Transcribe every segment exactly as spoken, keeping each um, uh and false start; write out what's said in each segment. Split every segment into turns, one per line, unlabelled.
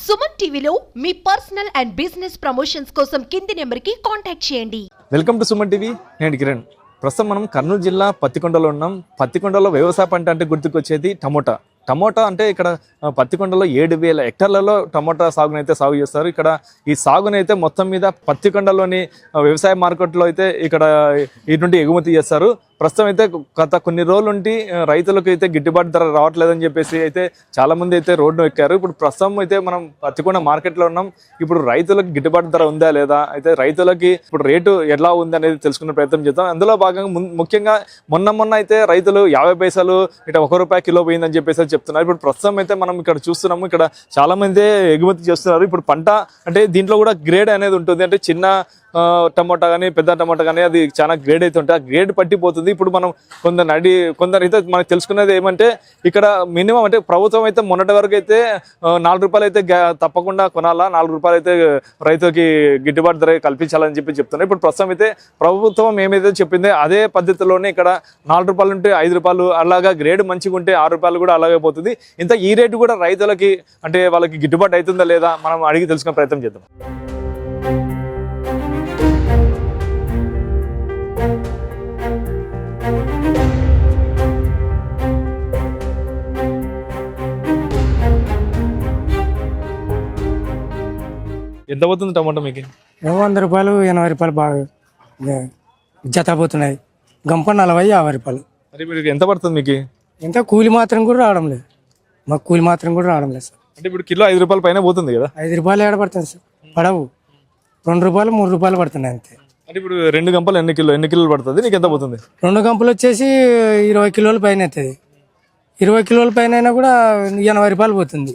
సుమన్ టీవీలో మీ personal and business promotions కోసం కింది నెంబర్కి కాంటాక్ట్ చేయండి.
Welcome to Suman TV. నేను కిరణ్. ప్రస్తుతం మనం కర్నూలు జిల్లా పత్తికొండలో ఉన్నాం. పత్తికొండలో వ్యవసాయ పంట అంటే గుర్తుకొచ్చేది టమోటా. టమోటా అంటే ఇక్కడ పత్తికొండలో ఏడు వేల హెక్టార్లలో టమోటా సాగునైతే సాగు చేస్తారు. ఇక్కడ ఈ సాగునైతే మొత్తం మీద పత్తికొండలోని వ్యవసాయ మార్కెట్లో అయితే ఇక్కడ ఈ నుండి ఎగుమతి చేస్తారు. ప్రస్తుతం అయితే గత కొన్ని రోజుల నుండి రైతులకు అయితే గిట్టుబాటు ధర రావట్లేదని చెప్పేసి అయితే చాలా మంది అయితే రోడ్డు ఎక్కారు. ఇప్పుడు ప్రస్తుతం అయితే మనం పత్తికొండ మార్కెట్లో ఉన్నాం. ఇప్పుడు రైతులకు గిట్టుబాటు ధర ఉందా లేదా, అయితే రైతులకి ఇప్పుడు రేటు ఎలా ఉంది అనేది తెలుసుకునే ప్రయత్నం చేద్దాం. అందులో భాగంగా ముఖ్యంగా మొన్న మొన్న అయితే రైతులు యాభై పైసలు ఇట్లా ఒక రూపాయి కిలో పోయిందని చెప్పేసి చెప్తున్నారు. ఇప్పుడు ప్రస్తుతం అయితే మనం ఇక్కడ చూస్తున్నాము, ఇక్కడ చాలా మంది ఎగుమతి చేస్తున్నారు. ఇప్పుడు పంట అంటే దీంట్లో కూడా గ్రేడ్ అనేది ఉంటుంది. అంటే చిన్న టమోటా కానీ పెద్ద టమోటా కానీ అది చాలా గ్రేడ్ అయితే ఉంటుంది. ఆ గ్రేడ్ పట్టిపోతుంది. ఇప్పుడు మనం కొందరు నడి కొందరు అయితే మనకు తెలుసుకునేది ఏమంటే ఇక్కడ మినిమం అంటే ప్రభుత్వం అయితే మొన్నటి వరకు అయితే నాలుగు రూపాయలు అయితే తప్పకుండా కొనాలా, నాలుగు రూపాయలు అయితే రైతుకి గిట్టుబాటు ధర కల్పించాలని చెప్పి చెప్తున్నారు. ఇప్పుడు ప్రస్తుతం అయితే ప్రభుత్వం ఏమైతే చెప్పిందో అదే పద్ధతిలోనే ఇక్కడ నాలుగు రూపాయలు ఉంటే ఐదు రూపాయలు అలాగా గ్రేడ్ మంచిగా ఉంటే ఆరు రూపాయలు కూడా అలాగే పోతుంది. ఇంత ఈ రేటు కూడా రైతులకి అంటే వాళ్ళకి గిట్టుబాటు అవుతుందా లేదా మనం అడిగి తెలుసుకునే ప్రయత్నం చేద్దాం. ఎంత పోతుంది టమాటో మీకు?
వంద రూపాయలు ఎనభై రూపాయలు బాగా జత పోతున్నాయి. గంప నలభై యాభై రూపాయలు.
మరి మీకు ఎంత పడుతుంది మీకు?
ఎంత కూలి మాత్రం కూడా రావడం లేదు. మాకు కూలి మాత్రం కూడా రావడం లేదు సార్.
అంటే ఇప్పుడు కిలో ఐదు రూపాయల పైన పోతుంది కదా?
ఐదు రూపాయలు ఏడ పడుతుంది సార్, పడవు. రెండు రూపాయలు మూడు రూపాయలు పడుతున్నాయి అంతే.
అంటే ఇప్పుడు రెండు గంపలు ఎన్ని కిలో ఎన్ని కిలోలు పడుతుంది? నీకు ఎంత పోతుంది?
రెండు గంపలు వచ్చేసి ఇరవై కిలోల పైన అవుతుంది. ఇరవై కిలోల పైన అయినా కూడా ఎనభై రూపాయలు పోతుంది.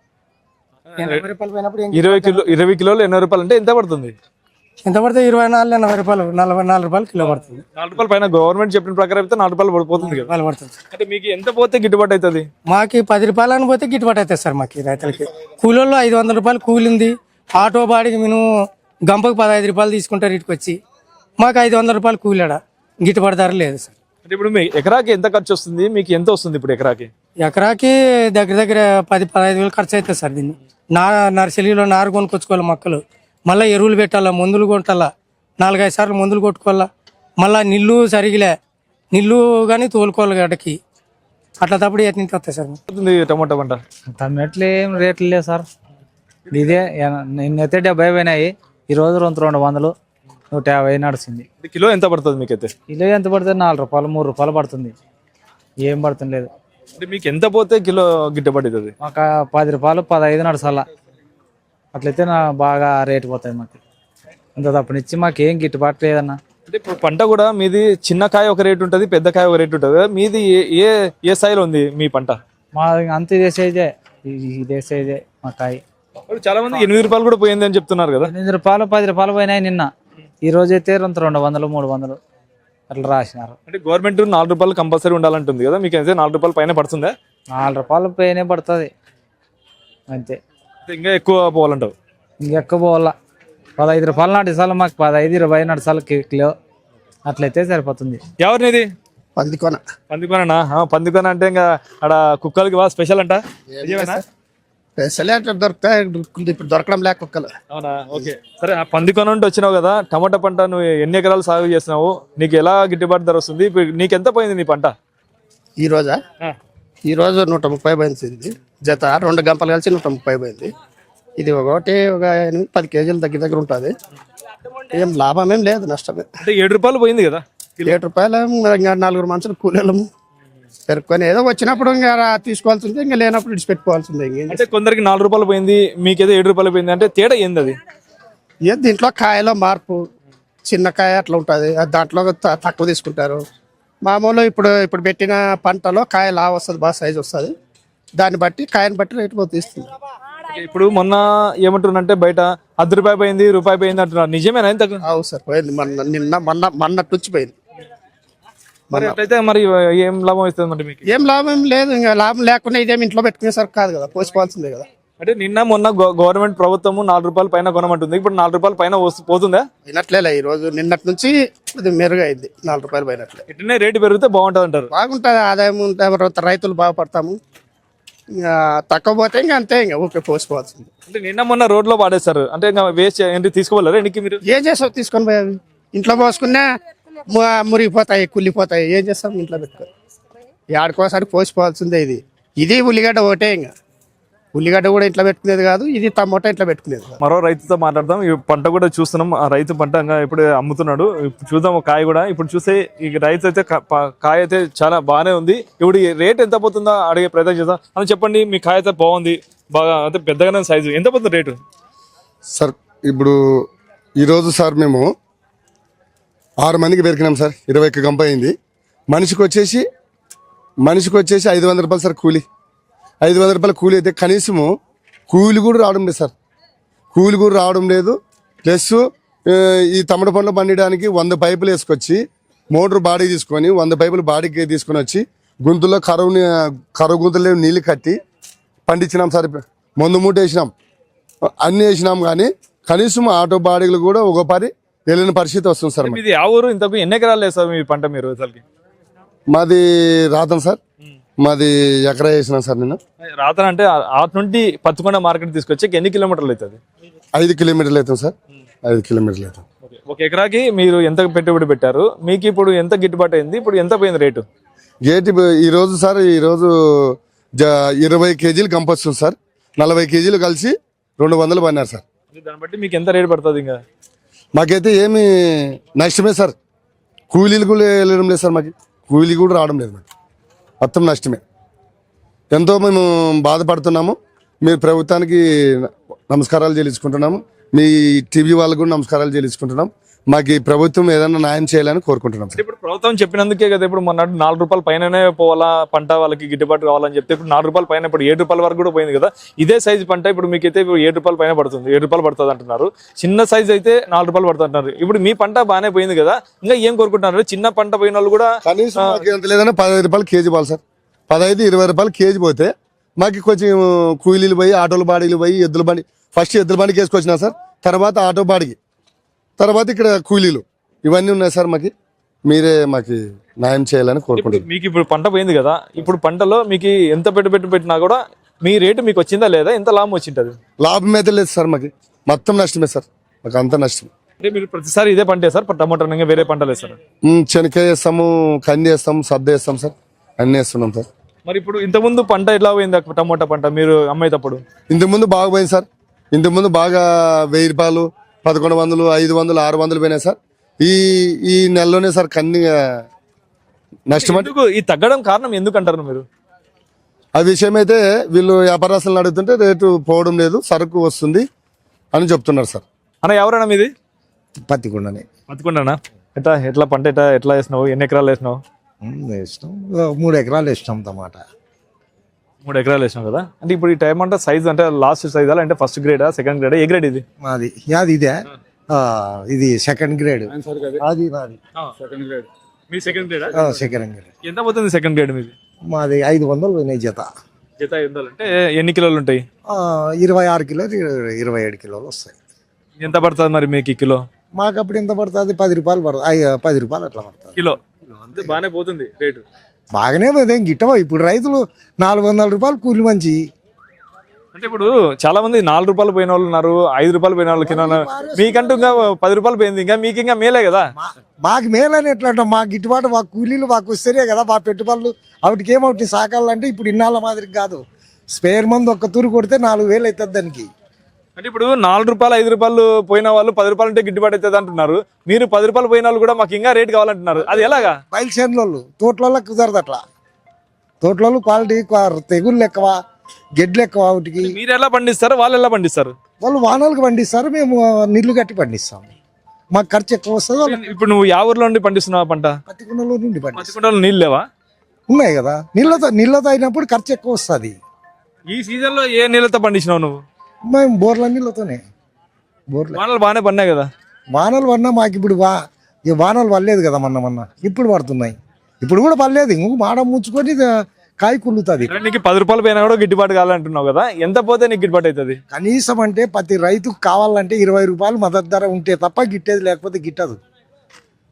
ఇరవై కిలో ఇరవై కిలోలు ఎనభై రూపాయలు అంటే ఎంత పడుతుంది?
ఎంత పడుతుంది? ఇరవై నాలుగు ఎనభై రూపాయలు, నలభై నాలుగు రూపాయలు కిలో పడుతుంది.
నాలుగు రూపాయలు పైన గవర్నమెంట్ చెప్పిన ప్రకారం అయితే నాలుగు రూపాయలు పడిపోతుంది కదా
పడుతుంది.
అంటే మీకు ఎంత పోతే గిట్టుబాటు అవుతుంది?
మాకు పది రూపాయలు అని పోతే గిట్టుబాటు అవుతుంది సార్. మాకు రైతులకి కూలీల్లో ఐదు వందల రూపాయలు కూలి ఉంది. ఆటో బాడికి మేము గంపకు పదహైదు రూపాయలు తీసుకుంటారు ఇటుకు వచ్చి. మాకు ఐదు వందల రూపాయలు కూలీడ గిట్టుబాటు ధర లేదు సార్.
అంటే ఇప్పుడు మీ ఎకరాకి ఎంత ఖర్చు వస్తుంది? మీకు ఎంత వస్తుంది ఇప్పుడు ఎకరాకి?
ఎకరాకి దగ్గర దగ్గర పది పదహైదు వేలు ఖర్చు అవుతుంది సార్. దీన్ని నా నర్సరీలో నారు కొనుక్కొచ్చుకోవాలి, మొక్కలు మళ్ళీ ఎరువులు పెట్టాలా, మందులు కొట్టాలా, నాలుగైదు సార్లు మందులు కొట్టుకోవాలా, మళ్ళీ నీళ్ళు సరిగిలే నీళ్ళు కానీ తోలుకోవాలి గడ్డకి. అట్లా తప్పుడు ఎట్లా వస్తాయి సార్
టమాటా పంట?
టమాటలు ఏం రేట్లు లేవు సార్. ఇదే నిన్నైతే డెబ్బై పోయినాయి, ఈరోజు రెండు రెండు వందలు నూట యాభై నడుస్తుంది.
కిలో ఎంత పడుతుంది మీకైతే?
కిలో ఎంత పడుతుంది? నాలుగు రూపాయలు మూడు రూపాయలు పడుతుంది. ఏం పడుతుంది లేదు.
అంటే మీకు ఎంత పోతే కిలో గిట్టుబాటు అవుతుంది?
మాకు పది రూపాయలు పదహైదు నడుసాల అట్లయితే నా బాగా రేటు పోతాయి. మాకు అంత తప్పనిచ్చి మాకు ఏం గిట్టుబాటు లేదన్నా.
అంటే ఇప్పుడు పంట కూడా మీది చిన్న కాయ ఒక రేటు ఉంటుంది, పెద్ద కాయ ఒక రేటు ఉంటుంది. మీది ఏ ఏ స్థాయిలో ఉంది మీ పంట?
మా అంత ఇదే సైజే, ఇదే సైజే మా కాయ.
చాలా మంది ఎనిమిది రూపాయలు కూడా పోయింది అని చెప్తున్నారు కదా?
ఎనిమిది రూపాయలు పది రూపాయలు పోయినాయి నిన్న. ఈ రోజు అయితే రెండు రెండు వందలు మూడు వందలు అట్లా రాసినారు.
అంటే గవర్నమెంట్ నాలుగు రూపాయలు కంపల్సరీ ఉండాలంటుంది కదా, మీకు అయితే నాలుగు రూపాయలు పైన పడుతుందా?
నాలుగు రూపాయలు పైన పడుతుంది అంతే.
ఇంకా ఎక్కువ పోవాలంటావు?
ఇంకెక్కువ పోవాలా. పదహైదు రూపాయలు నడిచాలి మాకు, పదహైదు ఇరవై నడిచాలి కిలో, అట్లయితే సరిపోతుంది.
ఎవరినిది?
పందికొన.
పందికొనా? పందికొన అంటే ఇంకా అక్కడ కుక్కలకి బాగా స్పెషల్ అంట.
దొరుకుతాయి, ఇప్పుడు దొరకడం లేక కుక్కలు.
అవునా? ఓకే సరే. ఆ పందికొన నుండి వచ్చినావు కదా, టమాటా పంట నువ్వు ఎన్ని ఎకరాలు సాగు చేసినావు? నీకు ఎలా గిట్టుబాటు ధర వస్తుంది? నీకు ఎంత పోయింది నీ పంట
ఈ రోజా? ఈ రోజు నూట ముప్పై పోయింది జత. రెండు గంపలు కలిసి నూట ముప్పై పోయింది. ఇది ఒకటి ఒక ఎనిమిది పది కేజీలు దగ్గర దగ్గర ఉంటుంది. ఏం లాభం ఏం లేదు, నష్టమే.
అంటే ఏడు రూపాయలు పోయింది కదా?
ఏడు రూపాయలు ఇంకా నలుగురు మనుషులు కూలీలము పెరుక్కొని ఏదో వచ్చినప్పుడు ఇంకా తీసుకోవాల్సిందే, ఇంకా లేనప్పుడు ఇడిచిపెట్టుకోవాల్సిందే.
అంటే కొందరికి నాలుగు రూపాయలు పోయింది, మీకేదో ఏడు రూపాయలు పోయింది. అంటే తేడా ఏంది అది?
ఏ దీంట్లో కాయలో మార్పు, చిన్న కాయ అట్లా ఉంటుంది, దాంట్లో తక్కువ తీసుకుంటారు. మామూలు ఇప్పుడు ఇప్పుడు పెట్టిన పంటలో కాయ లావు వస్తుంది, బాగా సైజు వస్తుంది. దాన్ని బట్టి కాయని బట్టి రేటు పోతే ఇస్తుంది.
ఇప్పుడు మొన్న ఏమంటున్నారంటే బయట అర్ధ రూపాయి పోయింది, రూపాయి పోయింది అంటున్నారు. నిజమేనా? ఎంత?
అవును సార్, పోయింది. మొన్న నిన్న మొన్న మొన్నటి నుంచి పోయింది.
మరి అట్లయితే మరి ఏం లాభం ఇస్తుంది? మరి మీకు
ఏం లాభం లేదు. ఇంకా లాభం లేకుండా ఇదేమి ఇంట్లో పెట్టుకునేసరికి కాదు కదా, పోసుకోవాల్సిందే కదా.
అంటే నిన్న మొన్న గవర్నమెంట్ ప్రభుత్వము నాలుగు రూపాయల పైన కొనమంటుంది, ఇప్పుడు నాలుగు రూపాయల పైన పోతుందా?
అయినట్లే ఈ రోజు నిన్నటి నుంచి ఇది మెరుగైంది. నాలుగు రూపాయలు పోయినట్లే.
ఇట్లనే రేటు పెరిగితే బాగుంటుంది అంటారు?
బాగుంటుంది, ఆదాయం ఉంటుంది, రైతులు బాగుపడతాము. ఇంకా తక్కువ పోతే ఇంకా అంతే ఇంకా ఊరికే పోసుకోవాల్సింది.
అంటే నిన్న మొన్న రోడ్లో పాడేస్తారు అంటే ఇంకా వేస్ట్ ఏంటి తీసుకోవాలరా ఎన్నికి మీరు?
ఏం చేస్తావు తీసుకొని పోయి అవి ఇంట్లో పోసుకున్నా ము- మురిగిపోతాయి, కుళ్ళిపోతాయి. ఏం చేస్తాం ఇంట్లో పెట్టుకో ఏడుకోసారి పోసిపోవాల్సిందే. ఇది ఇది ఉల్లిగడ్డ ఒకటే, ఇంకా ఉల్లిగడ్డ కూడా ఇంట్లో పెట్టుకునేది కాదు, ఇది టమోటా ఇంట్లో పెట్టుకునేది కాదు.
మరో రైతుతో మాట్లాడదాం. ఈ పంట కూడా చూస్తున్నాం, ఆ రైతు పంట ఇంకా ఇప్పుడు అమ్ముతున్నాడు. ఇప్పుడు చూద్దాం ఒక కాయ కూడా. ఇప్పుడు చూస్తే ఈ రైతు అయితే కా- ప- కాయ అయితే చాలా బాగానే ఉంది. ఇప్పుడు ఈ రేట్ ఎంత పోతుందో అడిగే ప్రయత్నం చేద్దాం. అని చెప్పండి, మీ కాయ అయితే బాగుంది, బాగా అంటే పెద్దగానే సైజు, ఎంత పోతుంది రేటు?
సార్ ఇప్పుడు ఈరోజు సార్ మేము ఆరు మందికి పెరికినాం సార్. ఇరవై ఒక్క గంప అయింది. మనిషికి వచ్చేసి మనిషికి వచ్చేసి ఐదు వందల రూపాయలు సార్ కూలి. ఐదు వందల రూపాయల కూలి అయితే కనీసము కూలి కూడా రావడం లేదు సార్. కూలి కూడా రావడం లేదు. ప్లస్ ఈ తమట పండ్లు పండించడానికి వంద పైపులు వేసుకొచ్చి మోటార్ బాడీ తీసుకొని వంద పైపులు బాడీకి తీసుకొని వచ్చి గుంతుల్లో కరువుని కరువు గుంతలు నీళ్ళు కట్టి పండించినాం సార్. మందు మూట వేసినాం, అన్నీ వేసినాం, కానీ కనీసం ఆటో బాడీలు కూడా ఒక పరి వెళ్ళిన పరిస్థితి వస్తుంది సార్.
ఇది ఆ ఊరు ఇంతకు ఎన్ని ఎకరాలు వేస్తారు మీ పంట మీరు అసలుకి?
మాది రాతం సార్. మాది ఎకరా వేసినాం సార్. నేను
రాతన అంటే ఆట నుండి పత్తికొండ మార్కెట్ తీసుకొచ్చి ఎన్ని కిలోమీటర్లు అవుతుంది?
ఐదు కిలోమీటర్లు అవుతాం సార్. ఐదు కిలోమీటర్లు అవుతాం.
ఒక ఎకరాకి మీరు ఎంత పెట్టుబడి పెట్టారు? మీకు ఇప్పుడు ఎంత గిట్టుబాటు అయింది? ఇప్పుడు ఎంత పోయింది రేటు?
గేటి ఈరోజు సార్ ఈరోజు జ ఇరవై కేజీలు గంప వస్తుంది సార్. నలభై కేజీలు కలిసి రెండు వందలు పడినారు సార్.
దాన్ని బట్టి మీకు ఎంత రేటు పడుతుంది? ఇంకా
మాకైతే ఏమి నష్టమే సార్. కూలీలు కూడా వెళ్ళడం లేదు సార్. మాకు కూలీ కూడా రావడం లేదు. మాకు మొత్తం నష్టమే. ఎంతో మేము బాధపడుతున్నాము. మీరు ప్రభుత్వానికి నమస్కారాలు చెల్లించుకుంటున్నాము. మీ టీవీ వాళ్ళకు కూడా నమస్కారాలు చెల్లించుకుంటున్నాం. మాకు ఈ ప్రభుత్వం ఏదైనా న్యాయం చేయాలని కోరుకుంటున్నాం సార్.
ఇప్పుడు ప్రభుత్వం చెప్పినందుకే కదా ఇప్పుడు మొన్న నాలుగు రూపాయల పైననే పోవాలా పంట, వాళ్ళకి గిట్టుబాటు కావాలని చెప్తే ఇప్పుడు నాలుగు రూపాయల పైన ఇప్పుడు ఏడు రూపాయల వరకు కూడా పోయింది కదా. ఇదే సైజు పంట ఇప్పుడు మీకైతే ఇప్పుడు ఏడు రూపాయల పైన పడుతుంది, ఏడు రూపాయలు పడుతుంది అంటున్నారు. చిన్న సైజు అయితే నాలుగు రూపాయలు పడుతుంది అంటున్నారు. ఇప్పుడు మీ పంట బాగానే పోయింది కదా, ఇంకా ఏం కోరుకుంటున్నారు? చిన్న పంట పోయిన వాళ్ళు కూడా
కనీసం మాకు ఎంత లేదన్నా పదహైదు రూపాయలు కేజీ పోవాలి సార్. పదహైదు ఇరవై రూపాయలు కేజీ పోతే మాకు కొంచెం కూలీలు పోయి ఆటోల బాడీలు పోయి ఎద్దుల బండి, ఫస్ట్ ఎద్దుల బండికి వేసుకొచ్చినా సార్, తర్వాత ఆటో బాడికి, తర్వాత ఇక్కడ కూలీలు, ఇవన్నీ ఉన్నాయి సార్. మాకు మీరే మాకు న్యాయం చేయాలని కోరుకుంటున్నాను.
మీకు ఇప్పుడు పంట పోయింది కదా, ఇప్పుడు పంటలో మీకు ఎంత పెట్టుబడి పెట్టినా కూడా మీ రేటు మీకు వచ్చిందా లేదా? ఎంత లాభం వచ్చింటది?
లాభం అయితే లేదు సార్. మాకు మొత్తం నష్టమే సార్. మాకు అంత నష్టం.
అంటే మీరు ప్రతిసారి ఇదే పంట వేస్తారు, టమాటా ఇంకా వేరే పంటలు వేస్తారు?
శనక్కాయ వేస్తాము, కంది వేస్తాము, సద్ద వేస్తాం సార్, అన్నీ వేస్తున్నాం సార్.
మరి ఇప్పుడు ఇంతకుముందు పంట ఎట్లా పోయింది టమోటా పంట మీరు అమ్మేటప్పుడు?
ఇంతకుముందు బాగా పోయింది సార్. ఇంతకుముందు బాగా వెయ్యి రూపాయలు, పదకొండు వందలు, ఐదు వందలు, ఆరు వందలు పోయినాయి సార్. ఈ ఈ నెలలోనే సార్ కన్ని నష్టం.
ఎందుకు ఈ తగ్గడం కారణం ఎందుకు అంటారు మీరు?
ఆ విషయం అయితే వీళ్ళు వ్యాపారస్తులను అడుగుతుంటే రేటు పోవడం లేదు, సరుకు వస్తుంది అని చెప్తున్నారు సార్.
అన్న ఎవరైనా మీది?
పత్తికొండనే.
పత్తికొండనా? ఎట్లా ఎట్లా పంట ఎట్లా ఎట్లా వేసినావు? ఎన్ని ఎకరాలు వేసినావు?
వేసినాం, మూడు ఎకరాలు వేసినాం టమాటా.
మూడు ఎకరాలు వేసినావు కదా. అంటే ఇప్పుడు ఈ టైం అంటే సైజ్ అంటే లాస్ట్ సైజ్ అంటే ఫస్ట్ గ్రేడా సెకండ్ గ్రేడా ఏ గ్రేడ్ ఇది?
మాది యాది ఇదే, ఆ, ఇది సెకండ్ గ్రేడ్. అది నాది
సెకండ్ గ్రేడ్. మీ సెకండ్ గ్రేడ్?
Second grade.
ఎంత పోతుంది సెకండ్ గ్రేడ్ మీది?
మాది ఐదు వందలు పోయినాయి జత.
జత ఐదు అంటే ఎన్ని కిలోలు ఉంటాయి?
ఆ, ఇరవై ఆరు కిలోలు, ఇరవై ఏడు కిలోలు వస్తాయి.
ఎంత పడుతుంది మరి మీకు ఈ కిలో?
మాకు అప్పుడు ఎంత పడుతుంది? పది రూపాయలు పడుతుంది. ఐ- పది రూపాయలు అట్లా పడుతుంది
కిలో. అంతే బాగానే పోతుంది రేటు.
బాగానే పోతే గిట్టవా. ఇప్పుడు రైతులు నాలుగు వందల రూపాయలు కూలి మంచి.
అంటే ఇప్పుడు చాలా మంది నాలుగు రూపాయలు పోయిన వాళ్ళు ఉన్నారు, ఐదు రూపాయలు పోయిన వాళ్ళు కింద ఉన్నారు. మీకంటూ ఇంకా పది రూపాయలు పోయింది, ఇంకా మీకు ఇంకా మేలే కదా.
మాకు మేలని ఎట్లా అంటాం? మాకు గిట్టుబాటు, మా కూలీలు మాకు వస్తేనే కదా మా పెట్టుబడులు. వాటికి ఏమవుతుంది సాకాలంటే ఇప్పుడు ఇన్నాళ్ళ మాదిరి కాదు. స్పేర్ మందు ఒక్క తూరు కొడితే నాలుగు వేలు అవుతుంది దానికి.
అంటే ఇప్పుడు నాలుగు రూపాయలు ఐదు రూపాయలు పోయిన వాళ్ళు పది రూపాయలు అంటే గిట్టుబాటు అవుతుంది అంటున్నారు. మీరు పది రూపాయలు పోయిన వాళ్ళు కూడా మాకు ఇంకా రేట్ కావాలంటున్నారు. అది ఎలాగా?
బయలుసేనులు తోటలలో కుదరదు అట్లా. తోటలలో క్వాలిటీ తెగుళ్ళు ఎక్కువ, గెడ్లు ఎక్కువ. వాటికి
మీరు ఎలా పండిస్తారు, వాళ్ళు ఎలా పండిస్తారు?
వాళ్ళు వానలకు పండిస్తారు, మేము నీళ్లు కట్టి పండిస్తాం. మాకు ఖర్చు ఎక్కువ వస్తుంది. వాళ్ళు
ఇప్పుడు నువ్వు యా ఊర్లో నుండి పండిస్తున్నావు పంట?
పత్తికొండలో నుండి పండిస్తాం.
పత్తికొండలో నీళ్ళు లేవా?
ఉన్నాయి కదా, నీళ్ళతో నీళ్ళతో అయినప్పుడు ఖర్చు ఎక్కువ వస్తుంది.
ఈ సీజన్ లో ఏ నీళ్ళతో పండించినావు నువ్వు?
మేము బోర్ల నీళ్ళతోనే. బోర్ల
వానలు బాగానే పడినాయి కదా.
వానలు పడినా మాకు ఇప్పుడు వా ఈ వానలు పడలేదు కదా మొన్న మొన్న. ఇప్పుడు పడుతున్నాయి. ఇప్పుడు కూడా పడలేదు. ఇంకొక మాడ ముంచుకొని కాయ కుళ్ళుతుంది.
నీకు పది రూపాయలు పోయినా కూడా గిట్టుబాటు కావాలంటున్నావు కదా, ఎంత పోతే నీకు గిట్టుబాటు అవుతుంది?
కనీసం అంటే ప్రతి రైతుకు కావాలంటే ఇరవై రూపాయలు మద్దతు ధర ఉంటే తప్ప గిట్టేది, లేకపోతే గిట్టదు.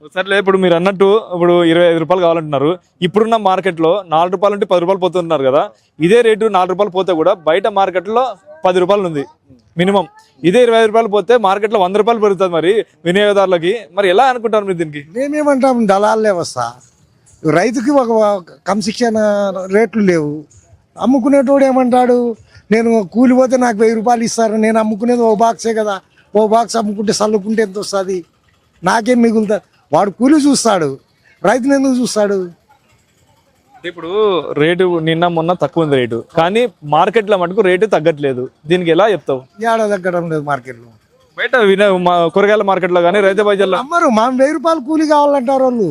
సర్లే ఇప్పుడు మీరు అన్నట్టు ఇప్పుడు ఇరవై ఐదు రూపాయలు కావాలంటున్నారు. ఇప్పుడున్న మార్కెట్లో నాలుగు రూపాయలు నుండి పది రూపాయలు పోతున్నారు కదా, ఇదే రేటు నాలుగు రూపాయలు పోతే కూడా బయట మార్కెట్లో పది రూపాయలు ఉంది మినిమం. ఇదే ఇరవై ఐదు రూపాయలు పోతే మార్కెట్లో వంద రూపాయలు పెరుగుతుంది మరి వినియోగదారులకి. మరి ఎలా అనుకుంటారు మీరు దీనికి?
మేమేమంటాం, దళాలే వస్తా, రైతుకి ఒక క్రమశిక్షణ రేట్లు లేవు. అమ్ముకునేటోడు ఏమంటాడు, నేను కూలి పోతే నాకు వెయ్యి రూపాయలు ఇస్తారు, నేను అమ్ముకునేది ఓ బాక్సే కదా, ఓ బాక్స్ అమ్ముకుంటే చల్లుకుంటే ఎంత వస్తుంది, నాకేం మిగులుతుంది. వాడు కూలి చూస్తాడు, రైతుని ఎందుకు చూస్తాడు?
ఇప్పుడు రేటు నిన్న మొన్న తక్కువ ఉంది రేటు, కానీ మార్కెట్లో మటుకు రేటు తగ్గట్లేదు. దీనికి ఎలా చెప్తావు?
ఏడా తగ్గడం లేదు మార్కెట్లో.
బయట విన మా కూరగాయల మార్కెట్లో కానీ రైతు బజార్లో
అమ్మరు, మా వెయ్యి రూపాయలు కూలి కావాలంటారు వాళ్ళు.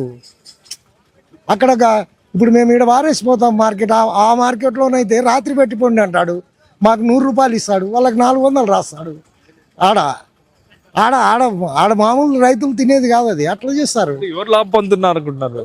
అక్కడ గా- ఇప్పుడు మేము ఇక్కడ వారేసిపోతాం మార్కెట్, ఆ- ఆ మార్కెట్లోనైతే రాత్రి పెట్టిపోండి అంటాడు, మాకు నూరు రూపాయలు ఇస్తాడు, వాళ్ళకి నాలుగు వందలు రాస్తాడు. ఆడ ఆడ ఆడ ఆడ మామూలు రైతులు తినేది కాదు అది, అట్లా చేస్తారు.
ఎవరు లాభం పొందుతున్నారు అనుకుంటున్నారు?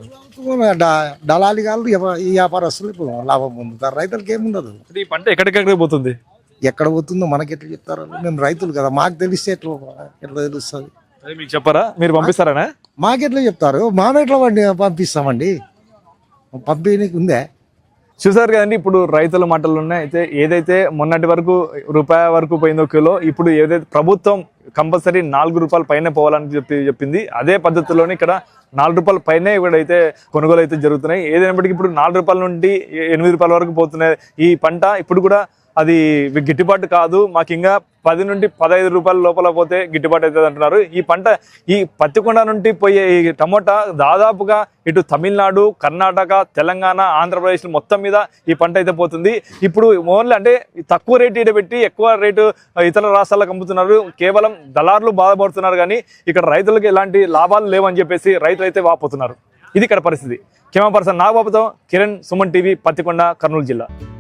డ- దళాలి కాళ్ళు ఈ వ్యాపారస్తులు ఇప్పుడు లాభం పొందుతారు, రైతులకి ఏముండదు.
ఈ పంట ఎక్కడికెక్కడికి పోతుంది?
ఎక్కడ పోతుందో మనకి ఎట్లా చెప్తారు? మేము రైతులు కదా, మాకు తెలిస్తే ఎట్లా ఎట్లా తెలుస్తుంది?
అది మీకు చెప్పారా? మీరు పంపిస్తారా?
మాకెట్లా చెప్తారు? మామెట్లా వండి పంపిస్తామండి, పంపిణీకి ఉందే.
చూసారు కదండి, ఇప్పుడు రైతుల మాటలు ఉన్నాయి. అయితే ఏదైతే మొన్నటి వరకు రూపాయి వరకు పోయిందో కిలో, ఇప్పుడు ఏదైతే ప్రభుత్వం కంపల్సరీ నాలుగు రూపాయల పైన పోవాలని చెప్పి చెప్పింది, అదే పద్ధతిలోనే ఇక్కడ నాలుగు రూపాయల పైనే ఇక్కడైతే కొనుగోలు అయితే జరుగుతున్నాయి. ఏదైనప్పటికీ ఇప్పుడు నాలుగు రూపాయల నుండి ఎనిమిది రూపాయల వరకు పోతున్నాయి ఈ పంట. ఇప్పుడు కూడా అది గిట్టుబాటు కాదు, మాకు ఇంకా పది నుండి పదహైదు రూపాయల లోపల పోతే గిట్టుబాటు అవుతుంది అంటున్నారు. ఈ పంట ఈ పత్తికొండ నుండి పోయే ఈ టమోటా దాదాపుగా ఇటు తమిళనాడు, కర్ణాటక, తెలంగాణ, ఆంధ్రప్రదేశ్ మొత్తం మీద ఈ పంట అయితే పోతుంది. ఇప్పుడు ఓన్లీ అంటే తక్కువ రేటు ఈడ పెట్టి ఎక్కువ రేటు ఇతర రాష్ట్రాలకు అమ్ముతున్నారు. కేవలం దళారులు బాధపడుతున్నారు, కానీ ఇక్కడ రైతులకు ఎలాంటి లాభాలు లేవని చెప్పేసి రైతులు అయితే వాపోతున్నారు. ఇది ఇక్కడ పరిస్థితి. కెమెరా పర్సన్ నాగబాబుతో కిరణ్, సుమన్ టీవీ, పత్తికొండ, కర్నూలు జిల్లా.